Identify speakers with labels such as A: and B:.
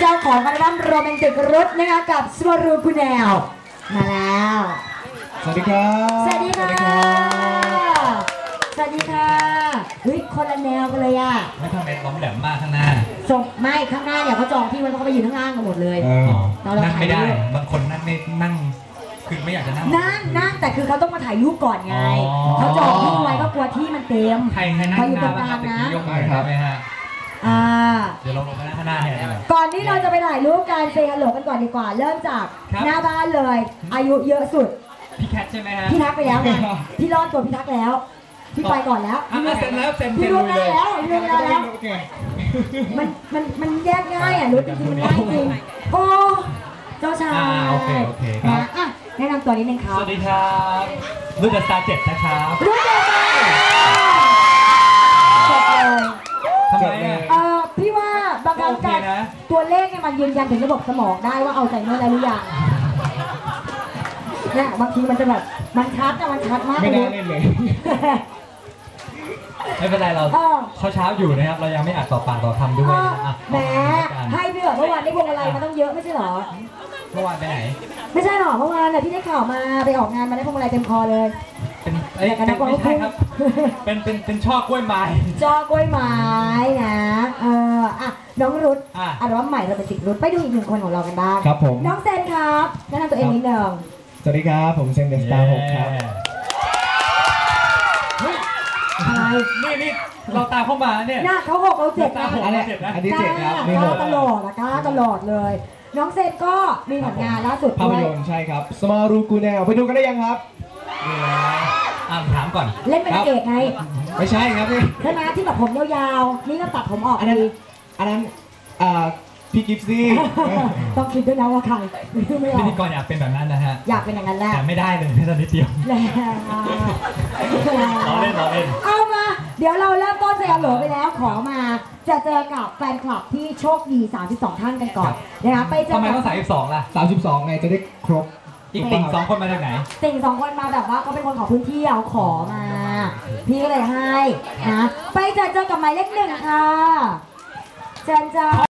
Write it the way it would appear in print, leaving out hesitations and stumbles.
A: จ้าของอัลบั้มโรแมนติกรุดนะคะกับสวรูกุแนวมาแล้ว
B: สวัสดีครับ
A: สวัสดีค่ะสวัสดีค่ะเฮ้ยคนละแนวกันเลยอ่ะ
C: ไม่ทำเป็นล้มแหลมมากข้างหน้า
A: ส่งไม่ข้างหน้าเนี่ยเขาจองที่ไว้เพราะเขาไปยืนข้างล่างกันหมดเลย
C: นั่งไม่ได้บางคนนั่งไม่นั่งคือไม่อยากจะนั่ง
A: แต่คือเขาต้องมาถ่ายรูปก่อนไงเขาจองที่ไว้ก็กลัวที่มันเต็ม
C: ใครนั่งอยู่ตรงกลางนะยกมือครับไหมฮะเดี๋ยวลงไปข้างหน้าให้
A: ก่อนที่เราจะไปถ่ายรูปการเซฮัลโหลกันก่อนดีกว่าเริ่มจากหน้าบ้านเลยอายุเยอะสุด
C: พี่แคทใช่ไหมฮะ
A: พี่ทักไปแล้วไงพี่รอดตัวพี่ทักแล้วพี่ไปก่อนแล้ว
C: เซ็นแล้วเซ็น
A: พี่รู้แล้วมันแยกง่ายอ่ะรู้จริงมันง่ายจริงโอ้เจ้าชาย
C: โอเคครับ
A: แนะนำตัวนิดนึงครับ
C: สวัสดีครับรุ่นเดอะสตาร์7นะครับ
A: รุ่นเดอะสตาร์จบเลย
C: ทำไม
A: พี่ว่าบางครั้งการตัวเลขเนี่ยมันยืนยันถึงระบบสมองได้ว่าเอาใจเมื่อไรหรือยังเนี่ยบางทีมันจะแบบมันชัดมาก
B: ไม่ได้เล่นเลย
C: ไม่เป็นไรเราเช้าอยู่นะครับเรายังไม่อัดต่อปากต่อคำด้วย
A: แหมให้พี่แบบเมื่อวานได้พวงอะไรมาต้องเยอะไม่ใช่หรอ
C: เมื่อวานไปไหน
A: ไม่ใช่หรอเมื่อวานเนี่ยพี่ได้ข่าวมาไปออกงานมาได้พวงอะไรเต็มคอเลย
C: เป็นไม่ใช่ครับเป็นช่อกล้วยไม้
A: ช่อกล้วยไม้นะน้องรุดอัลบั้มใหม่เราเป็นติดรุดไปดูอีกหนึ่งคนของเรากันบ้าง
B: ครับผม
A: น้องเซนครับแนะนำตัวเองนิดนึง
B: สวัสดีครับผมเซนเดอะสตาร์6ครับ
C: นี่เราตามเข้ามาเนี่ย
A: น่าเขา6เรา7นะ
B: อันนี้7ครับ
A: นี่6ตลอดเลยน้องเซนก็มีผลงานล่าสุด
B: ภาพยนตร์ใช่ครับสมารูกูแนวไปดูกันได้ยังครับ
C: ถามก่อน
A: เล่นเป็นเอกไง
B: ไม่ใช่ครับพี่
A: ใช่ไหมที่แบบผมยาวๆนี่ก็ตัดผมออก
B: อันนั้นพี่กิฟซี่
A: ต้องคิดด้วยนะว่าใคร
C: พิธีกรอยากเป็นแบบนั้นนะฮะ
A: อยากเป็นอย่างนั้นแหละ
C: แต่ไม่ได้เลยแค่ตอนนิดเดียว
A: ล้อเล่นเอามาเดี๋ยวเราเริ่มต้นเซฮัลโหลไปแล้วขอมาจะเจอกับแฟนคลับที่โชคดี32ท่านกันก่อนนะคะไปเจอ
C: ทำไมต้อง32ล่ะ
B: 32ไงจะได้ครบ
C: อีกติ่ง2คนมาจากไหน
A: ติ่ง2คนมาแบบว่าเขาเป็นคนของพื้นที่เอาขอมาพี่ก็เลยให้นะไปเจอกับหมายเลข1ค่ะเชิญจ้า